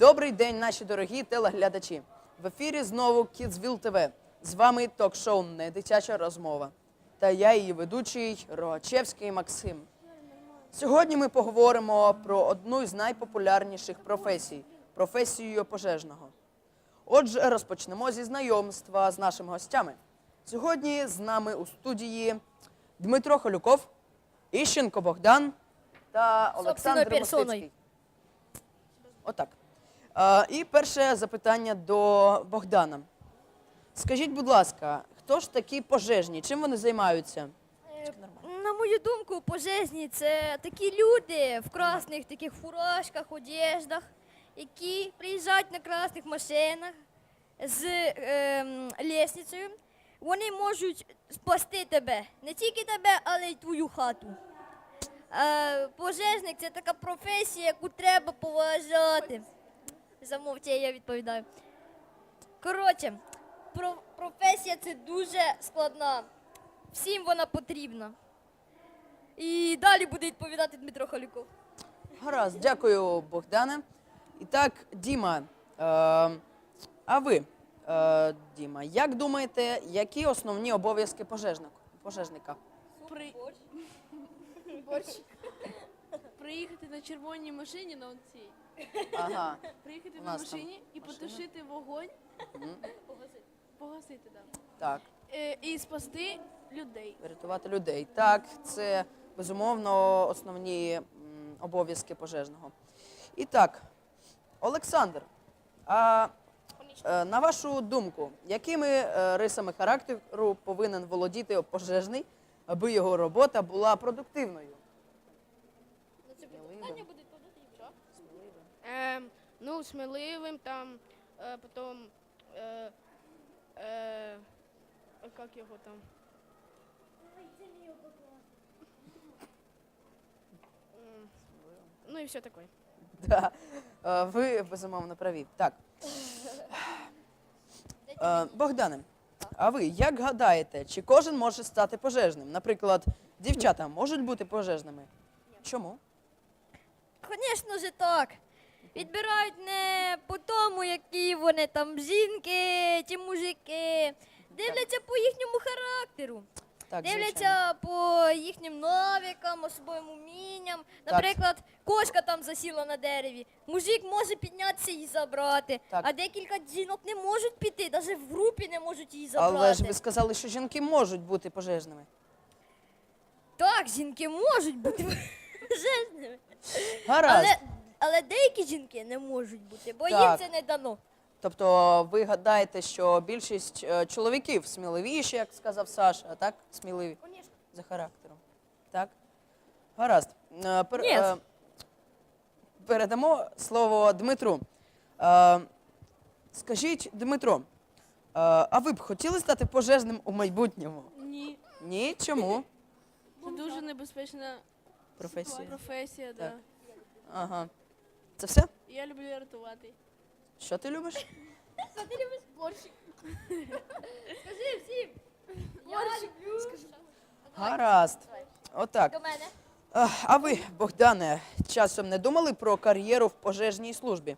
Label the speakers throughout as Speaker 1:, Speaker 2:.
Speaker 1: Добрий день, наші дорогі телеглядачі. В ефірі знову Kidsville TV. З вами ток-шоу «Недитяча розмова». Та я її ведучий Рогачевський Максим. Сьогодні ми поговоримо про одну із найпопулярніших професій – професію пожежного. Отже, розпочнемо зі знайомства з нашими гостями. Сьогодні з нами у студії Дмитро Холюков, Іщенко Богдан та Олександр Мостицький. Отак. І перше запитання до Богдана. Скажіть, будь ласка, хто ж такі пожежні? Чим вони займаються?
Speaker 2: На мою думку, пожежні – це такі люди в красних таких фуражках, одеждах, які приїжджають на красних машинах з лісницею. Вони можуть спасти тебе, не тільки тебе, але й твою хату. Пожежник – це така професія, яку треба поважати. Замовчи, я відповідаю. Коротше, професія – це дуже складна. Всім вона потрібна. І далі буде відповідати Дмитро Холюков.
Speaker 1: Гаразд, дякую, Богдане. І так, Діма, а ви, Діма, як думаєте, які основні обов'язки пожежника?
Speaker 3: Приїхати на червоній машині на оцій.
Speaker 1: Ага.
Speaker 3: Приїхати
Speaker 1: У
Speaker 3: на
Speaker 1: нас
Speaker 3: машині і
Speaker 1: машина.
Speaker 3: потушити вогонь.
Speaker 1: Мгм.
Speaker 3: Погасити, так.
Speaker 1: Так,
Speaker 3: І спасти людей.
Speaker 1: врятувати людей. Так, це, безумовно, основні обов'язки пожежного. І так, Олександр, на вашу думку, якими рисами характеру повинен володіти пожежний, аби його робота була продуктивною?
Speaker 2: Це питання буде відповідати дівчат.
Speaker 4: Ну, сміливим, там, потім, як його там? Ну і все таке.
Speaker 1: Да. Ви, безумовно, праві. Так. Богдане, а ви як гадаєте, чи кожен може стати пожежним? Наприклад, дівчата можуть бути пожежними? Чому?
Speaker 2: Звісно ж так. Відбирають не по тому, які вони там жінки чи мужики. Дивляться по їхньому характеру.
Speaker 1: Так,
Speaker 2: Дивляться
Speaker 1: звичайно.
Speaker 2: по їхнім навикам, особливим умінням. Наприклад, кошка там засіла на дереві. Мужик може піднятися і забрати.
Speaker 1: Так.
Speaker 2: А декілька жінок не можуть піти, навіть в групі не можуть її забрати.
Speaker 1: Але ж ви сказали, що жінки можуть бути пожежними.
Speaker 2: Так, жінки можуть бути пожежними.
Speaker 1: Гаразд.
Speaker 2: Але деякі жінки не можуть бути, бо їм
Speaker 1: Так.
Speaker 2: це не дано.
Speaker 1: Тобто ви гадаєте, що більшість чоловіків сміливіші, як сказав Саша, а так? Сміливі за характером. Так? Гаразд.
Speaker 2: Ні.
Speaker 1: Передамо слово Дмитру. Скажіть, Дмитро, а ви б хотіли стати пожежним у майбутньому?
Speaker 3: Ні.
Speaker 1: Ні? Чому?
Speaker 3: Це дуже небезпечна професія,
Speaker 1: Так.
Speaker 3: да.
Speaker 1: Ага. Це все?
Speaker 3: Я люблю рятувати.
Speaker 1: Що ти любиш?
Speaker 2: Що ти любиш? Борщик. Скажи всім. Я люблю.
Speaker 1: Гаразд. Отак.
Speaker 2: До мене.
Speaker 1: А ви, Богдане, часом не думали про кар'єру в пожежній службі?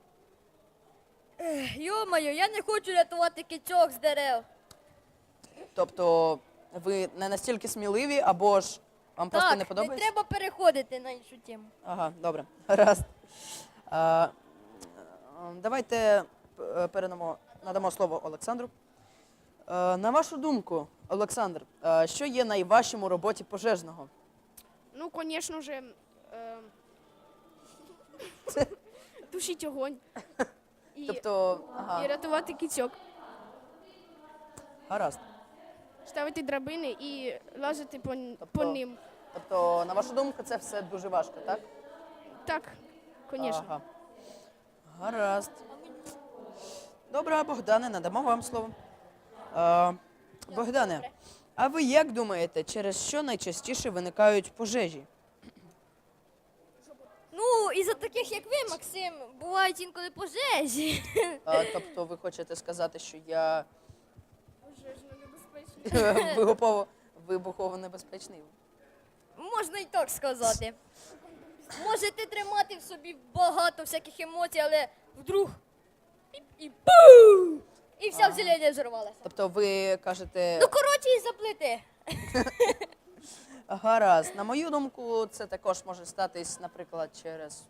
Speaker 2: Йо-моє, я не хочу рятувати кицьок з дерев.
Speaker 1: Тобто ви не настільки сміливі, або ж вам просто
Speaker 2: Так,
Speaker 1: не подобається?
Speaker 2: треба переходити на іншу тему.
Speaker 1: Ага, добре. Гаразд. Давайте надамо слово Олександру. На вашу думку, Олександр, що є найважчим у роботі пожежного?
Speaker 4: Ну, звісно ж, тушити огонь. І,
Speaker 1: Тобто,
Speaker 4: і
Speaker 1: ага,
Speaker 4: рятувати кицьок.
Speaker 1: гаразд.
Speaker 4: Ставити драбини і лазити по
Speaker 1: Тобто-
Speaker 4: ним.
Speaker 1: Тобто, на вашу думку, це все дуже важко, так?
Speaker 4: Так, звісно.
Speaker 1: Ага. Гаразд. Добре, Богдане, надамо вам слово. Богдане, а ви як думаєте, через що найчастіше виникають пожежі?
Speaker 2: Ну, із-за таких, як ви, Максим, бувають інколи пожежі.
Speaker 1: Тобто ви хочете сказати, що я
Speaker 4: Пожежно небезпечно.
Speaker 1: вибухово небезпечний?
Speaker 2: Можна і так сказати. Можете тримати в собі багато всяких емоцій, але вдруг піп, і пу! І вся вселення взорвалася.
Speaker 1: Тобто ви кажете,
Speaker 2: Ну, коротше, і заплити.
Speaker 1: гаразд. На мою думку, це також може статись, наприклад, через.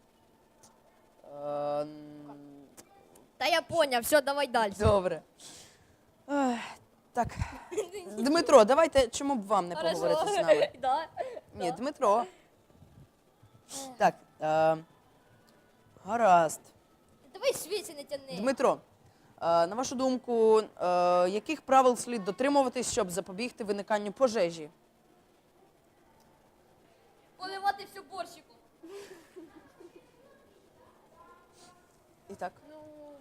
Speaker 2: Та я поняв, все, давай далі.
Speaker 1: Добре. Так. Дмитро, давайте, чому б вам не поговорити з нами?
Speaker 2: Да.
Speaker 1: Ні, Дмитро. Так. Гаразд.
Speaker 2: Давай свіці не тяни.
Speaker 1: Дмитро, на вашу думку, яких правил слід дотримуватись, щоб запобігти виниканню пожежі?
Speaker 2: Поливати все борщиком.
Speaker 1: І так.
Speaker 3: Ну,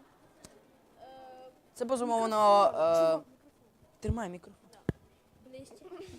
Speaker 1: Це безумовно. Тримай мікрофон.
Speaker 2: Ближче.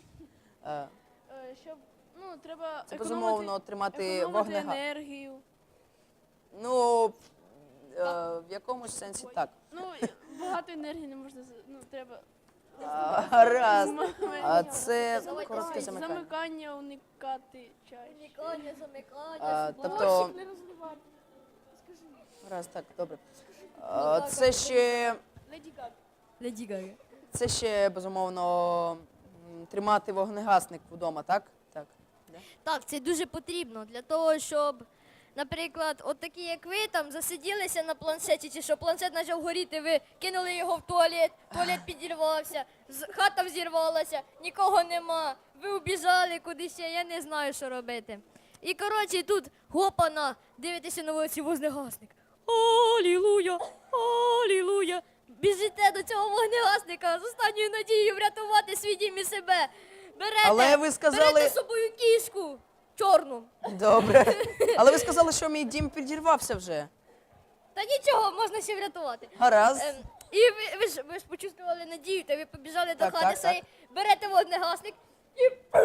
Speaker 3: щоб, треба
Speaker 1: Це безумовно тримати
Speaker 3: економити
Speaker 1: вогнегас.
Speaker 3: енергію.
Speaker 1: Ну, в якомусь сенсі так.
Speaker 3: Ну, багато енергії не можна, треба
Speaker 1: Гаразд.
Speaker 3: зм-
Speaker 1: Це
Speaker 2: Давай,
Speaker 1: коротке
Speaker 2: давай.
Speaker 1: замикання.
Speaker 3: замикання уникати чаще.
Speaker 2: Замикання, замикання.
Speaker 1: Тобто,
Speaker 3: Не розливати.
Speaker 1: гаразд, так, добре. Це ще,
Speaker 3: Леді Гага.
Speaker 2: Леді Гага.
Speaker 1: це ще безумовно тримати вогнегасник вдома, так? Так. Да?
Speaker 2: Так, це дуже потрібно для того, щоб, наприклад, от такі, як ви, там засиділися на планшеті, чи що планшет почав горіти, ви кинули його в туалет підірвався, хата взірвалася, нікого нема, ви убіжали кудись, ще, я не знаю, що робити. І, коротше, тут гопана, дивитеся на вулиці вогнегасник. Алілуя, алілуя. Біжите до цього вогнегасника з останньою надією врятувати свій дім і себе. Берете,
Speaker 1: Але ви сказали-
Speaker 2: берете з собою кішку чорну.
Speaker 1: Добре. Але ви сказали, що мій дім підірвався вже.
Speaker 2: Та нічого, можна ще врятувати.
Speaker 1: Гаразд.
Speaker 2: І ви ж почувствували надію, та ви побіжали
Speaker 1: Так,
Speaker 2: до хати
Speaker 1: так,
Speaker 2: своєї, берете вогнегасник і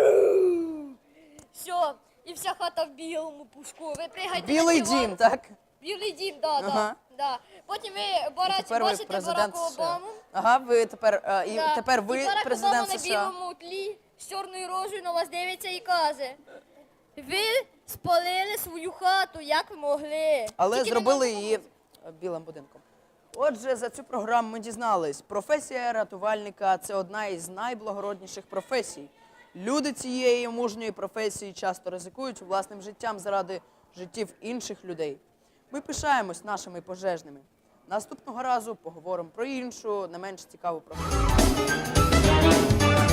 Speaker 2: все, і вся хата в білому пушку. Ви пригаєте
Speaker 1: Білий
Speaker 2: на диван.
Speaker 1: дім, так?
Speaker 2: Білий дім,
Speaker 1: Ага.
Speaker 2: да. Потім ви
Speaker 1: Тепер ви
Speaker 2: бачите
Speaker 1: президент
Speaker 2: Барака
Speaker 1: США.
Speaker 2: Обаму.
Speaker 1: Ага, ви тепер,
Speaker 2: Да.
Speaker 1: тепер ви
Speaker 2: і Барак
Speaker 1: президент
Speaker 2: Обама на
Speaker 1: США.
Speaker 2: білому тлі з чорною рожею на вас дивиться і каже: ви спалили свою хату, як ви могли.
Speaker 1: Але
Speaker 2: Тільки не
Speaker 1: зробили
Speaker 2: на-
Speaker 1: її білим будинком. Отже, за цю програму ми дізнались, професія рятувальника – це одна із найблагородніших професій. Люди цієї мужньої професії часто ризикують власним життям заради життів інших людей. Ми пишаємось нашими пожежними. Наступного разу поговоримо про іншу, не менш цікаву професію.